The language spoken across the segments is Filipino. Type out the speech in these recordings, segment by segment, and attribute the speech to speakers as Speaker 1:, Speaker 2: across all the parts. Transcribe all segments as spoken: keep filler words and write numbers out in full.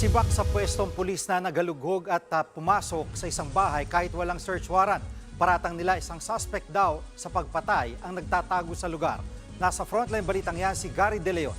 Speaker 1: Sibak sa pwestong pulis na nagalughog at uh, pumasok sa isang bahay kahit walang search warrant. Paratang nila isang suspect daw sa pagpatay ang nagtatago sa lugar. Nasa frontline balitang yan si Gary De Leon.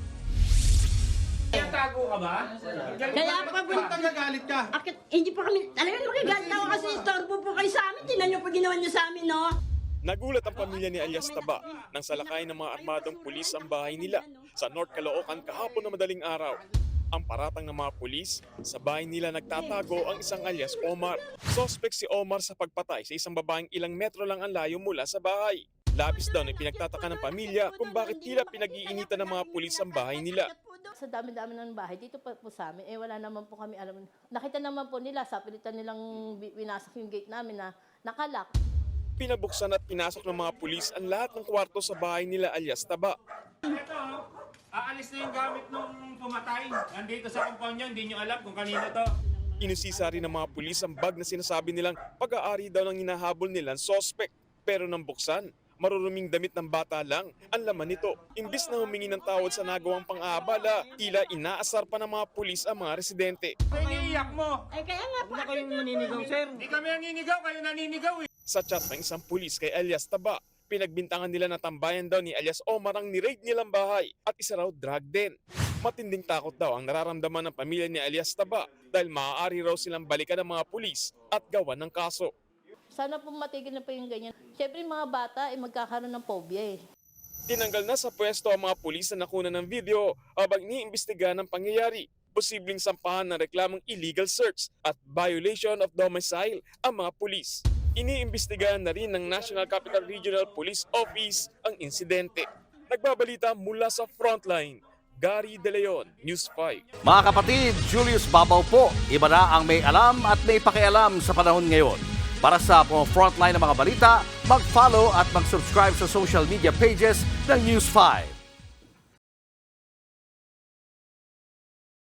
Speaker 2: Tago ka ba?
Speaker 3: Kaya pa po,
Speaker 2: Nagagalit ka.
Speaker 3: akit, hindi pa kami, alam mo, magigalit ako kasi istorbo po kayo sa amin. Tinan niyo pa ginawa niyo sa amin, no?
Speaker 4: Nagulat ang pamilya ni alias Taba nang salakay ng mga armadong pulis ang bahay nila sa North Caloocan kahapon na madaling araw. Ang paratang ng mga pulis, sa bahay nila nagtatago ang isang alias Omar. Suspect si Omar sa pagpatay sa isang babaeng ilang metro lang ang layo mula sa bahay. Labis daw na pinagtataka ng pamilya kung bakit tila pinag-iinitan ng mga pulis ang bahay nila.
Speaker 5: Sa dami-dami ng bahay, dito pa po sa amin, eh wala naman po kami alam. Nakita naman po nila, sa pilitan nilang winasak yung gate namin na nakalak.
Speaker 4: Pinabuksan at pinasok ng mga pulis ang lahat ng kwarto sa bahay nila alias Taba.
Speaker 2: Ito, aalis na yung gamit nung pumatay. Nandito sa compound niya, hindi nyo alam kung kanino to.
Speaker 4: Inusisa rin ng mga pulis ang bag na sinasabi nilang pag-aari daw ng hinahabol nilang sospek. Pero nang buksan, maruruming damit ng bata lang ang laman nito. Imbis na humingi ng tawad sa nagawang pang-aabala, tila inaasar pa ng mga pulis ang mga residente.
Speaker 2: Iniiyak mo.
Speaker 3: Ay, kaya nga po.
Speaker 2: Huwag na kayong naninigaw, sir. Hindi kami naninigaw, kayo naninigaw eh.
Speaker 4: Sa chat ng isang pulis kay alias Taba, pinagbintangan nila na tambayan daw ni alias Omar ang ni-raid nilang bahay at isa raw drug den. Matinding takot daw ang nararamdaman ng pamilya ni alias Taba dahil maaari raw silang balikan ng mga pulis at gawan ng kaso.
Speaker 5: Sana po matigil na po yung ganyan. Siyempre yung mga bata, eh, magkakaroon ng phobia eh.
Speaker 4: Tinanggal na sa pwesto ang mga pulis na nakuna ng video habang iniimbestigahan ang pangyayari. Posibleng sampahan ng reklamong illegal search at violation of domicile ang mga pulis. Iniimbestigahan na rin ng National Capital Regional Police Office ang insidente. Nagbabalita mula sa Frontline, Gary De Leon, News five.
Speaker 6: Mga kapatid, Julius Babaw po. Iba na ang may alam at may pakialam sa panahon ngayon. Para sa mga frontline ng mga balita, mag-follow at mag-subscribe sa social media pages ng News five.